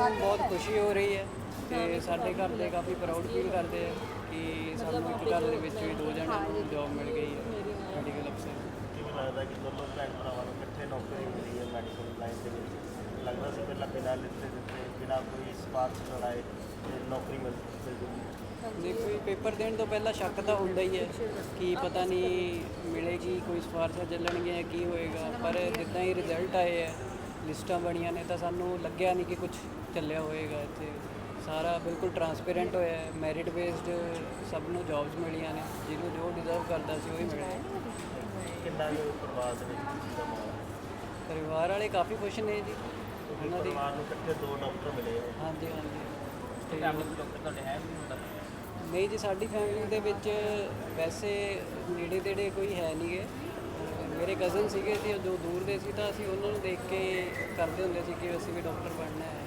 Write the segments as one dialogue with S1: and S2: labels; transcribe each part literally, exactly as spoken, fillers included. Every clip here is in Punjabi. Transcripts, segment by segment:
S1: ਸਾਨੂੰ ਬਹੁਤ ਖੁਸ਼ੀ ਹੋ ਰਹੀ ਹੈ ਤੇ ਸਾਡੇ ਘਰ ਦੇ ਕਾਫੀ ਪ੍ਰਾਊਡ ਫੀਲ ਕਰਦੇ ਆ ਕਿ ਸਾਨੂੰ ਇੱਕ ਘਰ ਦੇ ਵਿੱਚ ਵੀ ਦੋ ਜਣਿਆਂ ਨੂੰ ਜੌਬ ਮਿਲ ਗਈ ਹੈ ਮੈਡੀਕਲ ਅਫਸਰ।
S2: ਕਿਵੇਂ ਲੱਗਦਾ ਕਿ ਦੋਨੋਂ ਭੈਣ ਭਰਾਵਾਂ ਨੂੰ ਇਕੱਠੇ ਨੌਕਰੀ ਮਿਲੀ ਹੈ ਮੈਡੀਕਲ ਲਾਈਨ ਦੇ ਵਿੱਚ? ਲੱਗਦਾ ਸੀ ਪਹਿਲਾਂ ਬਿਨਾਂ ਲਿੱਤੇ ਦਿੱਤੇ ਬਿਨਾਂ ਕੋਈ ਸਿਫਾਰਸ਼ ਕਰਾਏ ਤੇ ਨੌਕਰੀ ਮਿਲ ਮਿਲ ਜੂਗੀ?
S1: ਨਹੀਂ, ਕੋਈ ਪੇਪਰ ਦੇਣ ਤੋਂ ਪਹਿਲਾਂ ਸ਼ੱਕ ਤਾਂ ਹੁੰਦਾ ਹੀ ਹੈ ਕਿ ਪਤਾ ਨਹੀਂ ਮਿਲੇਗੀ, ਕੋਈ ਸਿਫਾਰਸ਼ਾਂ ਚੱਲਣਗੀਆਂ ਜਾਂ ਕੀ ਹੋਏਗਾ, ਪਰ ਜਿੱਦਾਂ ਹੀ ਰਿਜ਼ਲਟ ਆਏ ਹੈ, ਲਿਸਟਾਂ ਬਣੀਆਂ ਨੇ, ਤਾਂ ਸਾਨੂੰ ਲੱਗਿਆ ਨਹੀਂ ਕਿ ਕੁਝ ਚੱਲਿਆ ਹੋਏਗਾ। ਇੱਥੇ ਸਾਰਾ ਬਿਲਕੁਲ ਟਰਾਂਸਪੇਰੈਂਟ ਹੋਇਆ ਹੈ, ਮੈਰਿਟ ਬੇਸਡ ਸਭ ਨੂੰ ਜੌਬਸ ਮਿਲੀਆਂ ਨੇ, ਜਿਹਨੂੰ ਜੋ ਡਿਜ਼ਰਵ ਕਰਦਾ ਸੀ ਉਹੀ ਮਿਲਿਆ।
S2: ਕਿੰਨਾ ਕੁ ਪਰਿਵਾਰ ਦੇ ਵਿੱਚ ਖੁਸ਼ੀ ਦਾ ਮਾਹੌਲ ਹੈ?
S1: ਪਰਿਵਾਰ ਵਾਲੇ ਕਾਫੀ ਖੁਸ਼ ਨੇ ਜੀ
S2: ਕਿਉਂਕਿ
S1: ਉਹਨਾਂ ਦੀ।
S2: ਪਰਿਵਾਰ ਨੂੰ ਇਕੱਠੇ ਦੋ ਡਾਕਟਰ ਮਿਲੇ ਹੈ।
S1: ਹਾਂਜੀ ਹਾਂਜੀ ਤੇ
S2: ਡਾਕਟਰ ਤੁਹਾਡੇ ਹੈ ਵੀ ਹੁੰਦਾ?
S1: ਨਹੀਂ ਜੀ, ਸਾਡੀ ਫੈਮਿਲੀ ਦੇ ਵਿੱਚ ਵੈਸੇ ਨੇੜੇ ਤੇੜੇ ਕੋਈ ਹੈ ਨਹੀਂ ਗੇ। ਮੇਰੇ ਕਜ਼ਨ ਸੀਗੇ ਜੀ ਜੋ ਦੂਰ ਦੇ ਸੀ, ਤਾਂ ਅਸੀਂ ਉਹਨਾਂ ਨੂੰ ਦੇਖ ਕੇ ਕਰਦੇ ਹੁੰਦੇ ਸੀ ਕਿ ਅਸੀਂ ਵੀ ਡਾਕਟਰ ਬਣਨਾ ਹੈ।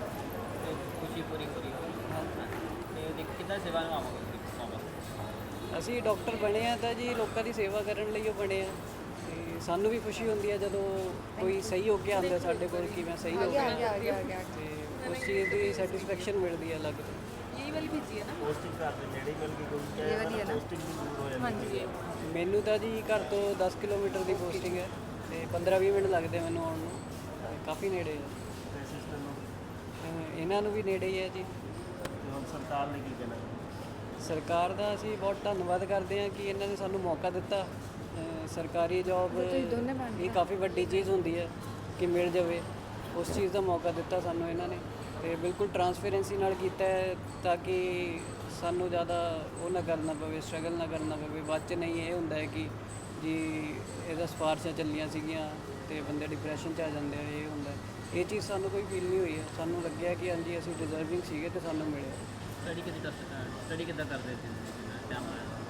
S3: ਖੁਸ਼ੀ ਪੂਰੀ ਪੂਰੀ ਤੇ ਕਿੱਦਾਂ ਸੇਵਾ ਨਿਭਾਵਾਂਗੇ?
S1: ਅਸੀਂ ਡਾਕਟਰ ਬਣੇ ਆ ਤਾਂ ਜੀ ਲੋਕਾਂ ਦੀ ਸੇਵਾ ਕਰਨ ਲਈ ਉਹ ਬਣੇ ਆ, ਤੇ ਸਾਨੂੰ ਵੀ ਖੁਸ਼ੀ ਹੁੰਦੀ ਹੈ ਜਦੋਂ ਕੋਈ ਸਹੀ ਹੋ ਕੇ ਆਉਂਦਾ ਸਾਡੇ ਕੋਲ ਕਿ ਮੈਂ ਸਹੀ ਹੋ ਗਿਆ, ਤੇ ਉਸ ਚੀਜ਼ ਦੀ ਸੈਟੀਸਫੈਕਸ਼ਨ ਮਿਲਦੀ ਹੈ ਅਲੱਗ ਤੋਂ।
S2: ਪੋਸਟਿੰਗ ਘਰ ਦੇ ਨੇੜੇ ਮਿਲ ਗਈ ਕੋਈ ਪੋਸਟਿੰਗ ਵੀ ਦੂਰ ਹੋ ਜਾਂਦੀ ਹੈ?
S1: ਮੈਨੂੰ ਤਾਂ ਜੀ ਘਰ ਤੋਂ ਦਸ ਕਿਲੋਮੀਟਰ ਦੀ ਪੋਸਟਿੰਗ ਹੈ ਤੇ ਪੰਦਰਾਂ ਵੀਹ ਮਿੰਟ ਲੱਗਦੇ ਮੈਨੂੰ ਆਉਣ ਨੂੰ, ਕਾਫੀ ਨੇੜੇ ਹੈ।
S2: ਤੇ ਸਿਸਟਰ ਨੂੰ
S1: ਅਹ ਇਹਨਾਂ ਨੂੰ ਵੀ ਨੇੜੇ ਹੀ ਹੈ ਜੀ।
S2: ਤੇ ਹੁਣ ਸਰਕਾਰ ਨੇ ਕੀ ਕਹਿਣਾ?
S1: ਸਰਕਾਰ ਦਾ ਅਸੀਂ ਬਹੁਤ ਧੰਨਵਾਦ ਕਰਦੇ ਹਾਂ ਕਿ ਇਹਨਾਂ ਨੇ ਸਾਨੂੰ ਮੌਕਾ ਦਿੱਤਾ। ਅਹ ਸਰਕਾਰੀ ਜੌਬ ਇਹ ਕਾਫੀ ਵੱਡੀ ਚੀਜ਼ ਹੁੰਦੀ ਹੈ ਕਿ ਮਿਲ ਜਾਵੇ, ਉਸ ਚੀਜ਼ ਦਾ ਮੌਕਾ ਦਿੱਤਾ ਸਾਨੂੰ ਇਹਨਾਂ ਨੇ, ਤੇ ਬਿਲਕੁਲ ਟਰਾਂਸਪੇਰੈਂਸੀ ਨਾਲ ਕੀਤਾ ਹੈ ਤਾਂ ਕਿ ਸਾਨੂੰ ਜ਼ਿਆਦਾ ਉਹ ਨਾ ਕਰਨਾ ਪਵੇ, ਸਟਰਗਲ ਨਾ ਕਰਨਾ ਪਵੇ। ਬਾਅਦ 'ਚ ਨਹੀਂ ਇਹ ਹੁੰਦਾ ਹੈ ਕਿ ਜੀ ਇਹਦਾ ਸਿਫਾਰਸ਼ਾਂ ਚੱਲੀਆਂ ਸੀਗੀਆਂ ਤੇ ਬੰਦੇ ਡਿਪਰੈਸ਼ਨ 'ਚ ਆ ਜਾਂਦੇ ਆ, ਇਹ ਹੁੰਦਾ। ਇਹ ਚੀਜ਼ ਸਾਨੂੰ ਕੋਈ ਫੀਲ ਨਹੀਂ ਹੋਈ ਹੈ, ਸਾਨੂੰ ਲੱਗਿਆ ਕਿ ਹਾਂਜੀ ਅਸੀਂ ਡਿਜ਼ਰਵਿੰਗ ਸੀਗੇ ਤੇ ਸਾਨੂੰ ਮਿਲਿਆ।
S3: ਸਟੱਡੀ ਕਿੱਦਾਂ ਸਟੱਡੀ ਕਿੱਦਾਂ ਕਰਦੇ ਸੀ ਟਾਈਮ?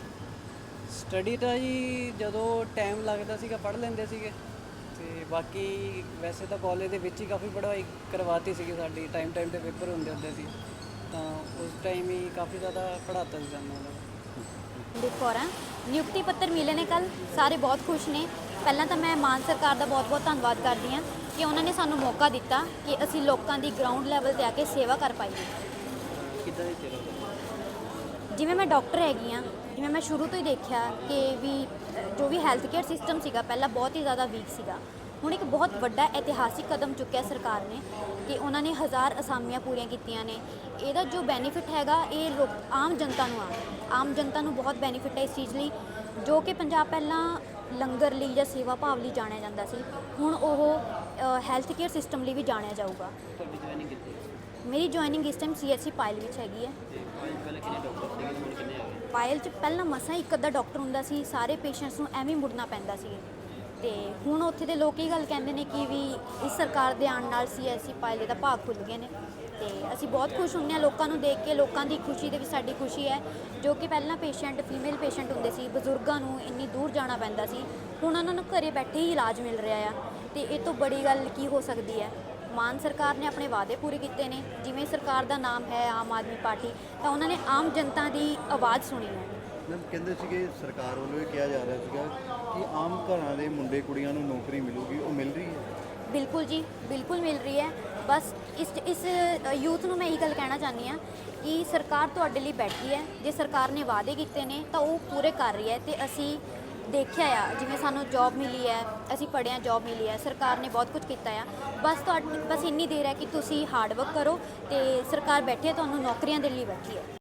S1: ਸਟੱਡੀ ਤਾਂ ਜੀ ਜਦੋਂ ਟਾਈਮ ਲੱਗਦਾ ਸੀਗਾ ਪੜ੍ਹ ਲੈਂਦੇ ਸੀਗੇ, ਤੇ ਬਾਕੀ ਵੈਸੇ ਤਾਂ ਕਾਲਜ ਦੇ ਵਿੱਚ ਹੀ ਕਾਫੀ ਪੜ੍ਹਾਈ ਕਰਵਾਤੀ ਸੀਗੀ ਸਾਡੀ। ਟਾਈਮ ਟਾਈਮ 'ਤੇ ਪੇਪਰ ਹੁੰਦੇ ਹੁੰਦੇ ਸੀ, ਤਾਂ ਉਸ ਟਾਈਮ ਹੀ ਕਾਫੀ ਜ਼ਿਆਦਾ ਪੜ੍ਹਾਤਾ ਸੀ ਸਾਨੂੰ ਉਹਨਾਂ ਨੇ।
S4: ਕੌਰ ਹਾਂ, ਨਿਯੁਕਤੀ ਪੱਤਰ ਮਿਲੇ ਨੇ ਕੱਲ੍ਹ, ਸਾਰੇ ਬਹੁਤ ਖੁਸ਼ ਨੇ। ਪਹਿਲਾਂ ਤਾਂ ਮੈਂ ਮਾਨ ਸਰਕਾਰ ਦਾ ਬਹੁਤ ਬਹੁਤ ਧੰਨਵਾਦ ਕਰਦੀ ਹਾਂ ਕਿ ਉਹਨਾਂ ਨੇ ਸਾਨੂੰ ਮੌਕਾ ਦਿੱਤਾ ਕਿ ਅਸੀਂ ਲੋਕਾਂ ਦੀ ਗਰਾਊਂਡ ਲੈਵਲ 'ਤੇ ਆ ਕੇ ਸੇਵਾ ਕਰ ਪਾਈਏ।
S3: ਕਿੱਦਾਂ ਦੀ ਸੇਵਾ?
S4: ਜਿਵੇਂ ਮੈਂ ਡਾਕਟਰ ਹੈਗੀ ਹਾਂ, ਜਿਵੇਂ ਮੈਂ ਸ਼ੁਰੂ ਤੋਂ ਹੀ ਦੇਖਿਆ ਕਿ ਵੀ ਅ, ਜੋ ਵੀ ਹੈਲਥ ਕੇਅਰ ਸਿਸਟਮ ਸੀਗਾ ਪਹਿਲਾਂ ਬਹੁਤ ਹੀ ਜ਼ਿਆਦਾ ਵੀਕ ਸੀਗਾ। ਹੁਣ ਇੱਕ ਬਹੁਤ ਵੱਡਾ ਇਤਿਹਾਸਿਕ ਕਦਮ ਚੁੱਕਿਆ ਸਰਕਾਰ ਨੇ ਕਿ ਉਹਨਾਂ ਨੇ ਹਜ਼ਾਰ ਅਸਾਮੀਆਂ ਪੂਰੀਆਂ ਕੀਤੀਆਂ ਨੇ। ਇਹਦਾ ਜੋ ਬੈਨੀਫਿਟ ਹੈਗਾ ਇਹ ਲੋਕ ਆਮ ਜਨਤਾ ਨੂੰ ਆ ਆਮ ਜਨਤਾ ਨੂੰ ਬਹੁਤ ਬੈਨੀਫਿਟ ਹੈ ਇਸ ਚੀਜ਼ ਲਈ। ਜੋ ਕਿ ਪੰਜਾਬ ਪਹਿਲਾਂ ਲੰਗਰ ਲਈ ਜਾਂ ਸੇਵਾ ਭਾਵ ਲਈ ਜਾਣਿਆ ਜਾਂਦਾ ਸੀ, ਹੁਣ ਉਹ ਹੈਲਥ ਕੇਅਰ ਸਿਸਟਮ ਲਈ ਵੀ ਜਾਣਿਆ ਜਾਊਗਾ।
S3: ਤੁਹਾਡੀ ਜੁਆਇਨਿੰਗ ਕੀਤੀ?
S4: ਮੇਰੀ ਜੁਆਇਨਿੰਗ ਇਸ ਟਾਈਮ ਸੀ ਐਸ ਸੀ ਪਾਇਲ ਵਿੱਚ ਹੈਗੀ ਹੈ।
S3: ਤੇ ਪਹਿਲਾਂ ਕਿੰਨੇ ਡਾਕਟਰ ਸੀਗੇ, ਹੁਣ ਕਿੰਨੇ ਆ ਗਏ?
S4: ਪਾਇਲ 'ਚ ਪਹਿਲਾਂ ਮਸਾਂ ਇੱਕ ਅੱਧਾ ਡਾਕਟਰ ਹੁੰਦਾ ਸੀ, ਸਾਰੇ ਪੇਸ਼ੈਂਟਸ ਨੂੰ ਐਵੇਂ ਮੁੜਨਾ ਪੈਂਦਾ ਸੀ, ਤੇ ਹੁਣ ਉੱਥੇ ਦੇ ਲੋਕ ਇਹ ਗੱਲ ਕਹਿੰਦੇ ਨੇ ਕਿ ਵੀ ਇਸ ਸਰਕਾਰ ਦੇ ਆਉਣ ਨਾਲ ਸੀ ਐਸ ਸੀ ਪਾਇਲ ਦੇ ਤਾਂ ਭਾਗ ਖੁੱਲ੍ਹ ਗਏ ਨੇ। ਤੇ ਅਸੀਂ ਬਹੁਤ ਖੁਸ਼ ਹੁੰਦੇ ਹਾਂ ਲੋਕਾਂ ਨੂੰ ਦੇਖ ਕੇ, ਲੋਕਾਂ ਦੀ ਖੁਸ਼ੀ ਦੇ ਵਿੱਚ ਸਾਡੀ ਖੁਸ਼ੀ ਹੈ। ਜੋ ਕਿ ਪਹਿਲਾਂ ਪੇਸ਼ੈਂਟ ਫੀਮੇਲ ਪੇਸ਼ੈਂਟ ਹੁੰਦੇ ਸੀ, ਬਜ਼ੁਰਗਾਂ ਨੂੰ ਇੰਨੀ ਦੂਰ ਜਾਣਾ ਪੈਂਦਾ ਸੀ, ਹੁਣ ਉਹਨਾਂ ਨੂੰ ਘਰੇ ਬੈਠੇ ਹੀ ਇਲਾਜ ਮਿਲ ਰਿਹਾ ਆ। ਤੇ ਇਹ ਤੋਂ ਬੜੀ ਗੱਲ ਕੀ ਹੋ ਸਕਦੀ ਹੈ? ਮਾਨ ਸਰਕਾਰ ਨੇ ਆਪਣੇ ਵਾਅਦੇ ਪੂਰੇ ਕੀਤੇ ਨੇ। ਜਿਵੇਂ ਸਰਕਾਰ ਦਾ ਨਾਮ ਹੈ ਆਮ ਆਦਮੀ ਪਾਰਟੀ, ਤਾਂ ਉਹਨਾਂ ਨੇ ਆਮ ਜਨਤਾ ਦੀ ਆਵਾਜ਼ ਸੁਣੀ ਹੈ।
S5: ਮੈਮ ਕਹਿੰਦੇ ਸੀਗੇ ਸਰਕਾਰ ਵੱਲੋਂ ਇਹ ਕਿਹਾ ਜਾ ਰਿਹਾ ਸੀਗਾ ਕਿ ਆਮ ਘਰਾਂ ਦੇ ਮੁੰਡੇ ਕੁੜੀਆਂ ਨੂੰ ਨੌਕਰੀ ਮਿਲੂਗੀ, ਉਹ ਮਿਲ ਰਹੀ ਹੈ?
S4: ਬਿਲਕੁਲ ਜੀ, ਬਿਲਕੁਲ ਮਿਲ ਰਹੀ ਹੈ। ਬਸ ਇਸ ਇਸ ਯੂਥ ਨੂੰ ਮੈਂ ਇਹੀ ਗੱਲ ਕਹਿਣਾ ਚਾਹੁੰਦੀ ਹਾਂ ਕਿ ਸਰਕਾਰ ਤੁਹਾਡੇ ਲਈ ਬੈਠੀ ਹੈ। ਜੇ ਸਰਕਾਰ ਨੇ ਵਾਅਦੇ ਕੀਤੇ ਨੇ ਤਾਂ ਉਹ ਪੂਰੇ ਕਰ ਰਹੀ ਹੈ, ਤੇ ਅਸੀਂ ਦੇਖਿਆ ਆ ਜਿਵੇਂ ਸਾਨੂੰ ਜੌਬ ਮਿਲੀ ਹੈ, ਅਸੀਂ ਪੜ੍ਹੇ ਹਾਂ, ਜੌਬ ਮਿਲੀ ਹੈ, ਸਰਕਾਰ ਨੇ ਬਹੁਤ ਕੁਝ ਕੀਤਾ ਆ। ਬਸ ਤੁਹਾਡੀ ਬਸ ਇੰਨੀ ਦੇਰ ਹੈ ਕਿ ਤੁਸੀਂ ਹਾਰਡ ਵਰਕ ਕਰੋ, ਤੇ ਸਰਕਾਰ ਬੈਠੀ ਹੈ, ਤੁਹਾਨੂੰ ਨੌਕਰੀਆਂ ਦੇਣ ਲਈ ਬੈਠੀ ਹੈ।